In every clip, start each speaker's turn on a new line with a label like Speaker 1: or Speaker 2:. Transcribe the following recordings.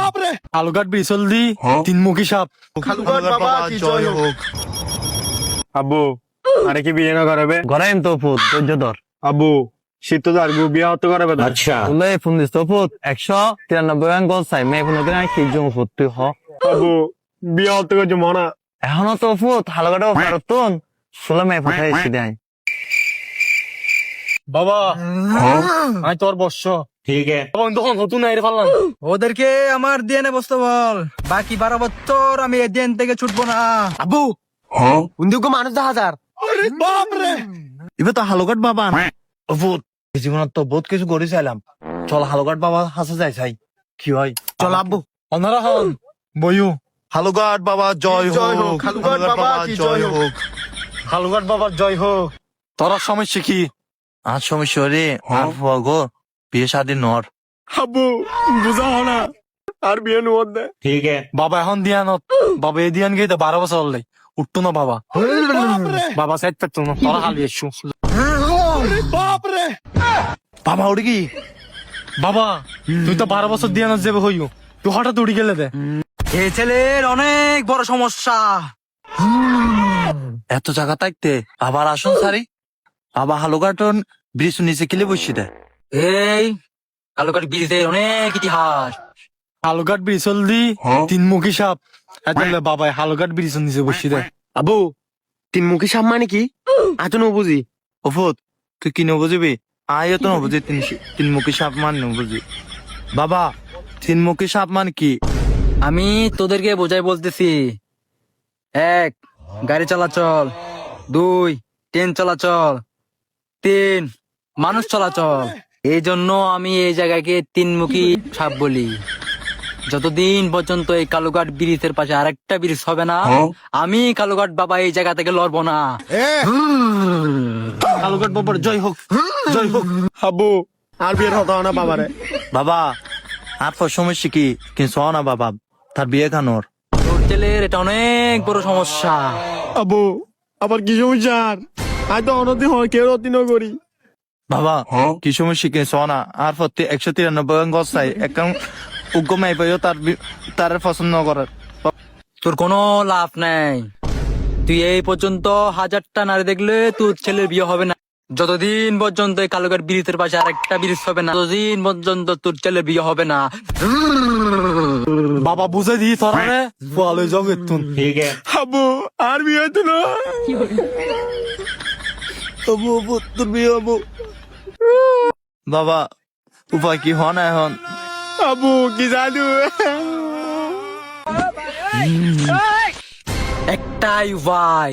Speaker 1: আলুঘাট বিচল দি তিনমুখী সাপ।
Speaker 2: খালুঘাট বাবা কি জয় হোক।
Speaker 3: আব্বু আরে কি বিয়ে না করাবে?
Speaker 4: গরাইম তো ফুট ধৈর্য ধর।
Speaker 3: আব্বু শীত তো আর বিয়ে হতে করাবে না।
Speaker 4: তুলে ফোন দিস তো ফুট 193 গান গল চাই মে ফোন করে কি জং ফুট তুই হ।
Speaker 3: আব্বু বিয়ে হতে করছে মনা।
Speaker 4: এখনো তো ফুট হালগাটাও পারতন শুলে মে ফাটাই এসে দেয়।
Speaker 1: বাবা আমি তোর বর্ষ
Speaker 3: ঠিক আছে
Speaker 1: তখন নতুন আইরে পারলাম।
Speaker 2: ওদেরকে আমার দিয়ে নে বসতে বল, বাকি 12 বছর আমি এই দিন থেকে ছুটবো না।
Speaker 1: আব্বু উন্দুকে মানুষ 10,000। বাপরে
Speaker 4: এবার তো হালগাট বাবা ফুট জীবনত তো বহুত কিছু করে চাইলাম, চল হালগাট বাবা হাসে যাই চাই কি হয়।
Speaker 1: চল আব্বু অনারা হন বইও।
Speaker 4: হালগাট বাবা জয় হোক।
Speaker 2: খালুঘাট বাবা কি জয় হোক।
Speaker 1: হালুঘাট বাবার জয় হোক। তোর সমস্যা কি?
Speaker 4: আর সমস্যা রে আর গো বিয়ে শাদী নর।
Speaker 3: আব্বু বুঝা হয় না আর বিয়ে নুয়ার দে। ঠিক আছে
Speaker 1: বাবা এখন দিয়ানত বাবা এ দিয়ান গেতে 12 বছর হলে উঠতো না বাবা। বাবা সাইড পেতো না তোরা খালি এসু। বাপরে
Speaker 4: বাবা উঠে কি
Speaker 1: বাবা তুই তো 12 বছর দিয়ানত যাবে হইও, তুই হঠাৎ উঠে গেলে দে।
Speaker 2: এই ছেলের অনেক বড় সমস্যা।
Speaker 4: এত জায়গা থাকতে আবার আসুন সারি বাবা হালগাটন ব্রিজ নিচে কিলে বসি দেয়।
Speaker 2: এই কালুঘাট ব্রিজের অনেক ইতিহাস।
Speaker 1: হালুঘাট বিচল দি তিনমুখী সাপ। এতলে বাবা হালুঘাট ব্রিজ নিচে বসি দে।
Speaker 3: আব্বু তিনমুখী সাপ মানে কি? আজ তো বুঝি।
Speaker 4: ওফত তুই কি নবুঝবি? আয় তো নবুঝি তিনমুখী সাপ মান নবুঝি। বাবা তিনমুখী সাপ মান কি?
Speaker 2: আমি তোদেরকে বোঝাই বলতেছি। 1 গাড়ি চলাচল, 2 ট্রেন চলাচল, 3 মানুষ চলাচল। এই জন্য আমি এই জায়গাকে তিনমুখী সাপ বলি। যতদিন পর্যন্ত এই কালুঘাট ব্রিজের পাশে আরেকটা ব্রিজ হবে না, আমি কালুঘাট বাবা এই জায়গা থেকে লড়বো না।
Speaker 1: হালুঘাট বাবার জয় হোক জয় হোক।
Speaker 3: আব্বু আর বিয়ে হতে হয় না বাবারে।
Speaker 4: বাবা আর সমস্যা কি কিন্তু না বাবা তার বিয়ে খানোর।
Speaker 2: তোর ছেলের এটা অনেক বড় সমস্যা।
Speaker 3: আব্বু আবার কি সমস্যা? আজ তো অনতি হয় কেউ অতি ন করি।
Speaker 4: বাবা কি সমস্যা কি সোনা আর প্রতি 193 গছ চাই একদম উগ্র মাই পাইও তার পছন্দ করার।
Speaker 2: তোর কোনো লাভ নাই। তুই এই পর্যন্ত 1000টা নারী দেখলে তোর ছেলের বিয়ে হবে না। যতদিন পর্যন্ত এই কালুঘাট ব্রিজের পাশে আরেকটা ব্রিজ হবে না, ততদিন পর্যন্ত তোর ছেলের বিয়ে হবে না।
Speaker 1: বাবা বুঝে দি তোরা রে বলে জগেতুন।
Speaker 3: ঠিক আছে আব্বু আর বিয়ে হতো না।
Speaker 4: আবু আবু তোর বিয়ে আবু। বাবা উপায় কি হন এখন?
Speaker 3: আব্বু কি জাদু।
Speaker 2: একটাই ভাই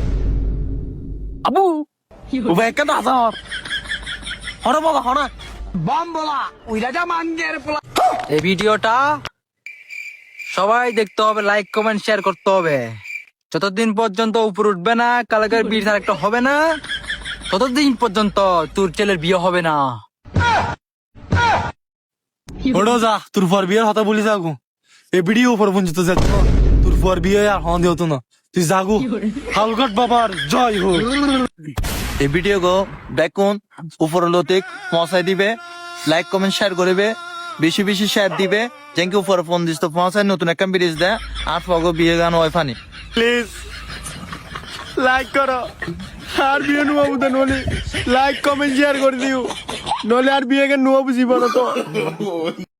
Speaker 2: আবু
Speaker 1: উভয় একটা দাদর হরে বলা হরে
Speaker 2: এই ভিডিওটা সবাই দেখতে হবে, লাইক কমেন্ট শেয়ার করতে হবে। যতদিন পর্যন্ত উপর উঠবে না কালুঘাট ব্রিজ আর একটা হবে না, ততদিন পর্যন্ত তোর ছেলের বিয়ে হবে না।
Speaker 1: ওড়ো যা তোর পর বিয়ের কথা বলি যাগু এ ভিডিও উপর পর্যন্ত যেত না, তোর পর বিয়ে আর হন দিও না তুই যাগু। হালঘাট বাবার জয় হোক।
Speaker 4: এই ভিডিও গো দেখুন উপর লতিক পৌঁছাই দিবে, লাইক কমেন্ট শেয়ার করবে, বেশি বেশি শেয়ার দিবে। যেন উপরে ফোন দিস তো পৌঁছায় নতুন একটা ব্রিজ দেয় আর ফগো বিয়ে গান ওই ফানি।
Speaker 3: প্লিজ লাইক করো আর বিয়ে নুয়া বুঝে নলি লাইক কমেন্ট শেয়ার করে দিও, নলে আর বিয়ে কে নুয়া বুঝিব না তো।